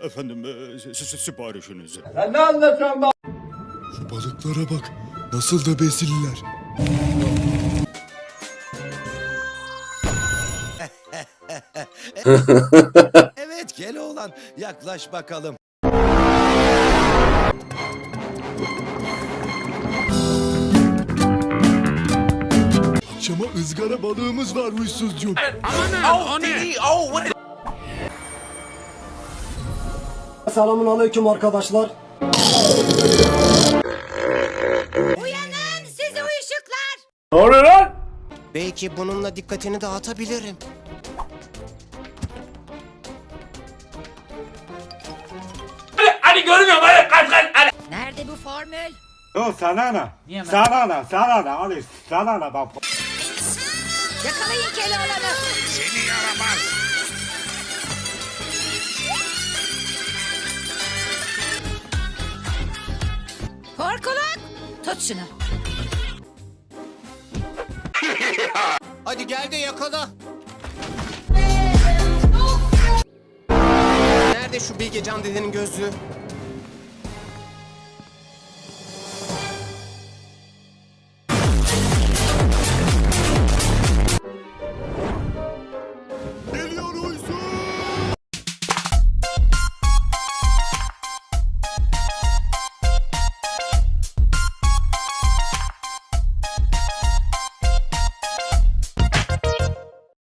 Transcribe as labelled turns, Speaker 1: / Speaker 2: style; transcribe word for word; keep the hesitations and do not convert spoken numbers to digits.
Speaker 1: Efendim, e, s- s- siparişinizi.
Speaker 2: Sen ne anlatıyorsun be?
Speaker 3: Şu balıklara bak. Nasıl da besililer.
Speaker 4: Evet Keloğlan, yaklaş bakalım.
Speaker 3: Akşama ızgara balığımız var huysuzcuğum.
Speaker 5: Selamun aleyküm arkadaşlar.
Speaker 6: Uyanın sizi uyuşuklar.
Speaker 2: Ne oluyor lan?
Speaker 4: Belki bununla dikkatini dağıtabilirim.
Speaker 2: Hadi görmüyorum hadi kaç kaç hadi.
Speaker 6: Nerede bu formül?
Speaker 7: Yo sana ne? Sana ne? Sana ne? Hadi sana ne bak.
Speaker 6: Yakalayın Keloğlan'ı.
Speaker 1: Seni yaramaz.
Speaker 6: Korkuluk. Tut şunu.
Speaker 4: Hadi gel de yakala. Nerede şu Bilgecan dedenin gözlüğü?